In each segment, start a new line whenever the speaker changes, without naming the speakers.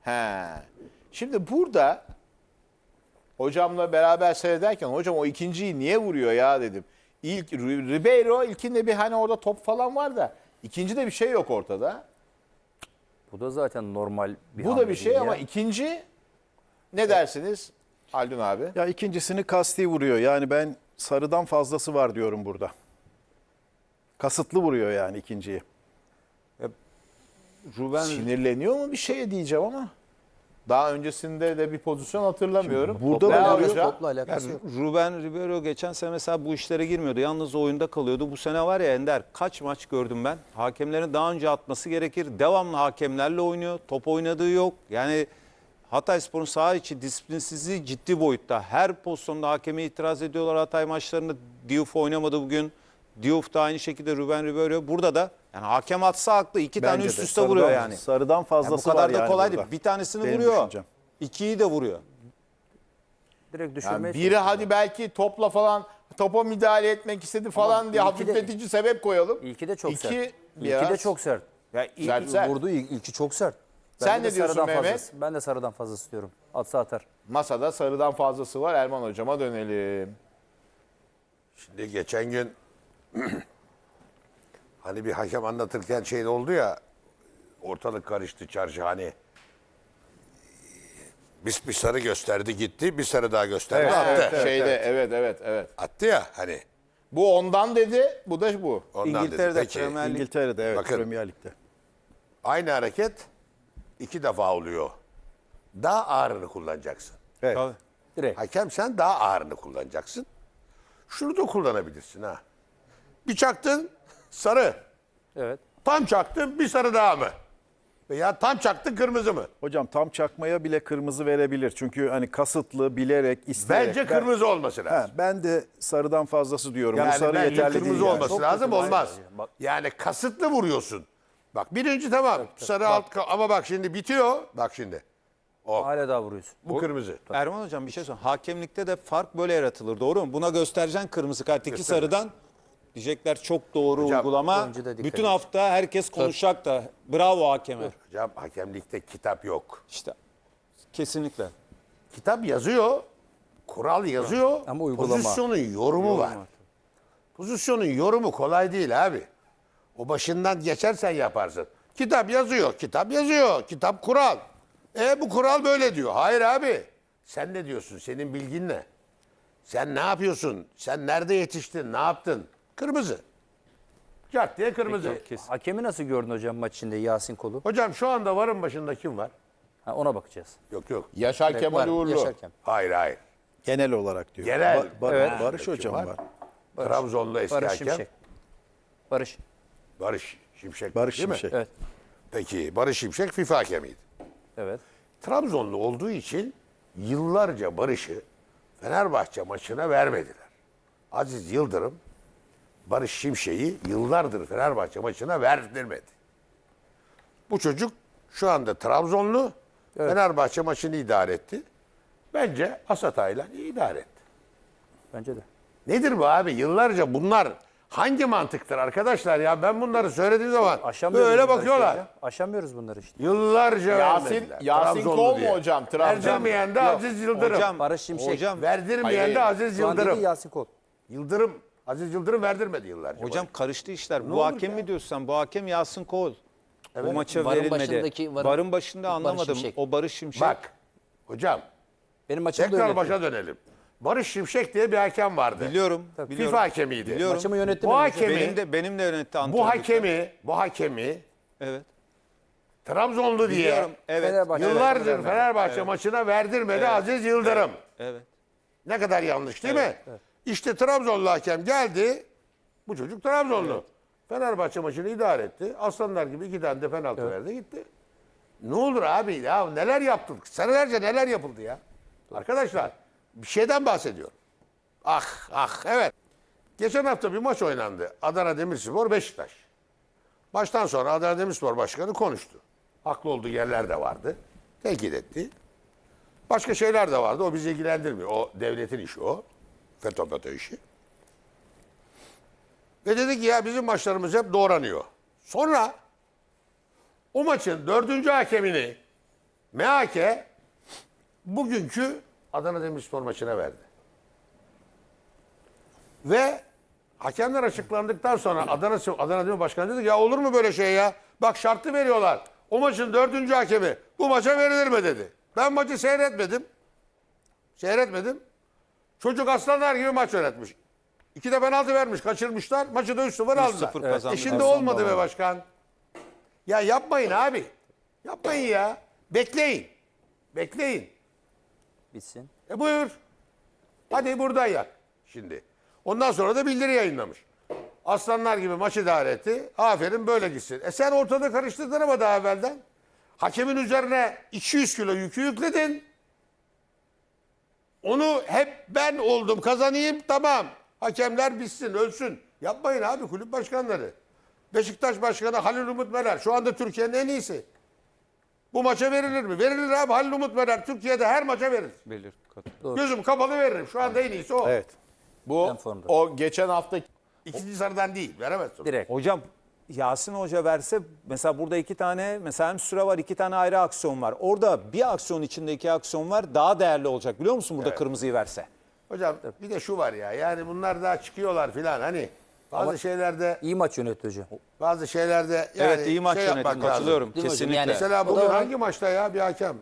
He. Şimdi burada hocamla beraber seyrederken hocam o ikinciyi niye vuruyor ya dedim. İlk Ribeiro ilkinde bir hani orada top falan var da ikincide bir şey yok ortada.
Bu da zaten normal bir
Bu
hamle
da bir şey
değil
ama
ya.
ikinci ne dersiniz Haldun abi?
Ya ikincisini kasti vuruyor. Yani ben sarıdan fazlası var diyorum burada. Kasıtlı vuruyor yani ikinciyi.
Ruben
Sinirleniyor mu bir şeye diyeceğim ama. Daha öncesinde de bir pozisyon hatırlamıyorum.
Burada
Topla
da
alıyor.
vuruyor.
Topla alakası yok.
Ruben Ribeiro geçen sene mesela bu işlere girmiyordu. Yalnız oyunda kalıyordu. Bu sene var ya Ender kaç maç gördüm ben. Hakemlerin daha önce atması gerekir. Devamlı hakemlerle oynuyor. Top oynadığı yok. Yani Hatayspor'un saha içi disiplinsizliği ciddi boyutta. Her pozisyonda hakeme itiraz ediyorlar Hatay maçlarında. Diouf oynamadı bugün. Diouf da aynı şekilde Ruben Ribeiro. Burada da yani hakem atsa haklı. İki tane
Bence
üst
de.
üste vuruyor yani.
Sarıdan
Yani bu
fazlası
kadar
var
da
yani
kolay
burada.
değil. Bir tanesini
Benim
vuruyor.
düşüncem.
İkiyi de vuruyor.
Direkt düşürmeye
Yani biri
çalışıyor.
hadi belki topla falan topa müdahale etmek istedi falan diye
ilki de-
hafifletici sebep koyalım.
İlki de çok
İki
sert.
biraz-
İlki de çok sert.
Ya
Sert, sert.
Vurduğu ilki çok sert.
Sen
de
ne diyorsun
sarıdan
Mehmet?
fazlası. Ben de sarıdan fazlası diyorum. Atsa atar.
Masada sarıdan fazlası var. Erman hocama dönelim.
Şimdi geçen gün hani bir hakem anlatırken şey oldu ya, ortalık karıştı çarşı, hani bir sarı gösterdi gitti, bir sarı daha gösterdi attı.
Evet.
Attı ya hani,
Bu ondan dedi, bu da bu.
ondan
İngiltere'de
dedi. Peki,
Premier Lig.
İngiltere'de evet,
Bakın.
Premier Lig'de.
aynı hareket 2 defa oluyor. Daha ağırını kullanacaksın.
Evet.
Tabii.
Direkt.
Hakem sen daha ağırını kullanacaksın. Şunu da kullanabilirsin ha. Bir çaktın sarı.
Evet.
Tam çaktın bir sarı daha mı? Veya tam çaktın kırmızı mı?
Hocam tam çakmaya bile kırmızı verebilir. Çünkü hani kasıtlı, bilerek, isteyerek.
Bence kırmızı olması lazım.
Ben de sarıdan fazlası diyorum. Bu
Yani
sarı
bence
yeterli
kırmızı
değil yani.
olması
Çok
lazım,
kötü.
olmaz.
Hayır, bak-
Yani kasıtlı vuruyorsun. Bak birinci tamam, sarı alt ama bak şimdi bitiyor. Bak şimdi.
Hala daha vuruyorsun.
Bu kırmızı.
Erman Hocam bir şey söyleyeyim. Hakemlikte de fark böyle yaratılır. Doğru mu? Buna göstereceksin kırmızı kart. İki sarıdan diyecekler çok doğru
Hocam,
uygulama.
oyuncu da dikkat
Bütün
edin.
hafta herkes konuşacak da. Bravo hakeme.
Hocam hakemlikte kitap yok.
İşte kesinlikle.
Kitap yazıyor, kural yazıyor,
Ama uygulama.
pozisyonun yorumu var. Pozisyonun yorumu kolay değil abi. O başından geçersen yaparsın. Kitap yazıyor, kitap yazıyor, kitap kural. Bu kural böyle diyor. Hayır abi. Sen ne diyorsun? Senin bilgin ne? Sen ne yapıyorsun? Sen nerede yetiştin? Ne yaptın? Kırmızı. Cart diye kırmızı.
Hakemi nasıl gördün hocam maç içinde Yasin Kolu?
Hocam şu anda varın başında kim var?
Ha, ona bakacağız.
Yok.
Yaşar Kemal
Var,
Uğurlu.
Yaşarken.
Hayır.
Genel olarak diyor.
Genel.
Evet.
Barış Hocam
Var.
var.
Trabzonlu eski
Barış
hakem.
Şimşek. Barış.
Barış Şimşek.
Barış
değil mi?
Şimşek.
Evet.
Peki Barış Şimşek FIFA hakemiydi.
Evet.
Trabzonlu olduğu için yıllarca Barış'ı Fenerbahçe maçına vermediler. Aziz Yıldırım Barış Şimşek'i yıllardır Fenerbahçe maçına verdirmedi. Bu çocuk şu anda Trabzonlu, Fenerbahçe maçını idare etti. Bence Asatay'la idare etti.
Bence de.
Nedir bu abi? Yıllarca bunlar hangi mantıktır arkadaşlar ya? Ben bunları söylediğim zaman
Aşamıyoruz
böyle
bunları
bakıyorlar.
işte ya. Aşamıyoruz bunları işte.
Yıllarca
Yasin
vermediler.
Yasin
Trabzonlu
Kol mu
diye.
hocam? Trabzon.
Verdirmeyen de Aziz Yıldırım.
Hocam,
Barış Şimşek.
Hocam,
Verdirmeyen
Hayır,
de
hayır.
Aziz
Şu an dedi
Yıldırım.
Yasin Kol.
Aziz Yıldırım verdirmedi yıllarca.
hocam karıştı işler. Bu
olur
hakem
ya?
mi diyorsun sen? Bu hakem Yasin Kol. Bu maça
Varın
verilmedi.
başındaki
Varın başında
Barış
anlamadım.
Şimşek.
O Barış Şimşek.
Bak hocam
Benim maçımı da
tekrar
yönetti.
başa dönelim. Barış Şimşek diye bir hakem vardı.
Biliyorum.
FIFA hakemiydi.
Biliyorum.
Maçımı yönetti.
Bu
benim
hakemi,
Benim de yönetti
bu
antrenörlükte.
hakemi
Evet.
Trabzonlu diye
Biliyorum. Evet.
Fenerbahçe-
yıllardır
Evet.
Fenerbahçe maçına verdirmedi Aziz Yıldırım.
Evet.
Ne kadar yanlış değil mi? İşte Trabzonlu hakem geldi. Bu çocuk Trabzonlu. Fenerbahçe maçını idare etti. Aslanlar gibi 2 tane de penaltı verdi gitti. Ne olur abi ya, neler yaptık? Senelerce neler yapıldı ya? Arkadaşlar bir şeyden bahsediyorum. Evet. Geçen hafta bir maç oynandı. Adana Demirspor Beşiktaş. Maçtan sonra Adana Demirspor Başkanı konuştu. Haklı olduğu yerler de vardı. Tenkit etti. Başka şeyler de vardı. O bizi ilgilendirmiyor. O devletin işi o. FETÖ işi. Ve dedi ki ya bizim maçlarımız hep doğranıyor. Sonra o maçın 4. hakemini MHK bugünkü Adana Demirspor maçına verdi. Ve hakemler açıklandıktan sonra Adana Demir Başkanı dedi ki, ya olur mu böyle şey ya? Bak şartı veriyorlar. O maçın 4. hakemi bu maça verilir mi dedi. Ben maçı seyretmedim. Çocuk aslanlar gibi maç yönetmiş. 2 de penaltı vermiş, kaçırmışlar. Maçı da 3-0 aldılar.
3-0 kazandılar.
Şimdi olmadı be başkan. Ya yapmayın abi. Yapmayın ya. Bekleyin.
Bitsin.
Buyur. Hadi buradan yak şimdi. Ondan sonra da bildiri yayınlamış. Aslanlar gibi maç idare etti. Aferin böyle gitsin. Sen ortada karıştırdın ama daha evvelden. Hakemin üzerine 200 kilo yükü yükledin. Onu hep ben oldum kazanayım tamam. Hakemler bitsin ölsün. Yapmayın abi kulüp başkanları. Beşiktaş Başkanı Halil Umut Meler şu anda Türkiye'nin en iyisi. Bu maça verilir mi? Verilir abi. Halil Umut Meler Türkiye'de her maça verir.
Belir.
Gözüm kapalı veririm. Şu anda en iyisi o.
Evet.
Bu
En formda.
o geçen hafta
İkinci sarıdan değil. Veremezsin.
Direkt.
Hocam Yasin Hoca verse mesela burada 2 tane mesela hem süre var 2 tane ayrı aksiyon var. Orada bir aksiyon içinde 2 aksiyon var daha değerli olacak biliyor musun burada kırmızıyı verse?
Hocam bir de şu var ya. Yani bunlar daha çıkıyorlar filan. Hani bazı şeylerde
İyi maç yönetti hocam.
yani
Evet iyi maç
yapmak
yönetim
lazım.
katılıyorum
Değil mi hocam?
kesinlikle.
Yani-
Mesela
O
bugün
da var.
hangi maçta ya bir hakem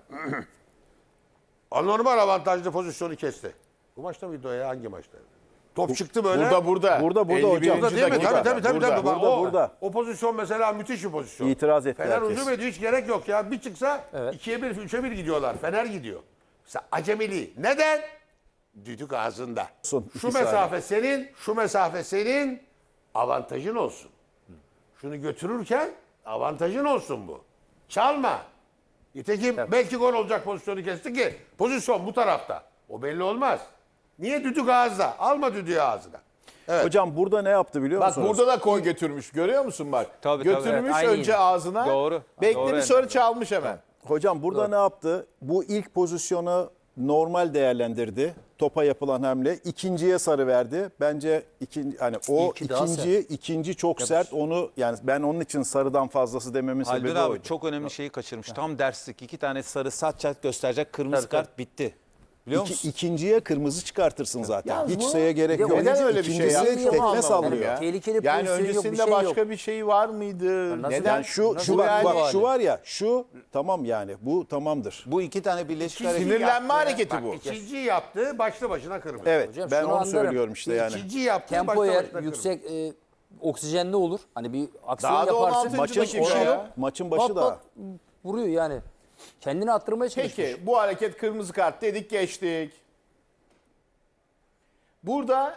anormal avantajlı pozisyonu kesti. Bu maçta mıydı o ya? Hangi maçta? Top çıktı böyle.
burada.
Burada
51.
hocam.
Burada değil mi?
dakika.
Tabii.
Burada.
Bak,
Burada.
o pozisyon mesela müthiş bir pozisyon.
İtiraz etti
Fener
herkes.
hücum ediyor. Hiç gerek yok ya. Bir çıksa
Evet.
2'ye 1, 3'e 1 gidiyorlar. Fener gidiyor. Mesela acemiliği. Neden? Düdük ağzında.
Son
Şu
2
mesafe senin avantajın olsun. Şunu götürürken avantajın olsun bu. Çalma. Nitekim belki gol olacak pozisyonu kesti ki pozisyon bu tarafta. O belli olmaz. Niye düdük ağızda? Alma düdüğü ağzına. Evet.
Hocam burada ne yaptı biliyor
Bak
musunuz?
burada da koy götürmüş. Görüyor musun bak?
Tabii,
Götürmüş
evet, aynı
önce
yine.
ağzına.
Doğru.
Beklemiş
Doğru,
sonra
Ender.
çalmış hemen.
Hocam burada ne yaptı? Bu ilk pozisyonu normal değerlendirdi. Topa yapılan hamle. İkinciye sarı verdi. Bence hani o
İlki daha
ikinci çok sert. Onu yani ben onun için sarıdan fazlası dememin
Haldun
sebebi
abi
oydu.
çok önemli şeyi kaçırmış. Tam derslik 2 tane sarı saç çat gösterecek kırmızı kart bitti. Biliyor musun?
İkinciye kırmızı çıkartırsın zaten.
Yalnız
Hiç
bu-
şeye gerek
Bir de
yok.
Neden öyle bir şey
İkincisi
yapmış?
tekme
Onu
sallıyor.
anlamadım ya.
Tehlikeli
Yani
pozisyon yok, bir
öncesinde
şey
başka
yok.
bir şey var mıydı?
nasıl-
Neden?
Yani şu
Nasıl
bak,
yani?
bak şu var ya şu tamam yani bu tamamdır.
Bu 2 tane birleşik hareket.
Sinirlenme hareketi bu.
İkinciyi yaptı, başlı başına kırmızı.
Evet
Hocam
ben
şunu
onu
anlarım.
söylüyorum işte yani.
İkinciyi yaptı,
Tempo
başlı
eğer
başına
yüksek oksijenli olur. Hani bir aksiyon
Daha da
yaparsın.
16.
Maçın
dakika
başı
ya.
maçın başı
Pat
da.
pat vuruyor yani. Kendini attırmaya çalışmış.
Peki bu hareket kırmızı kart dedik geçtik. Burada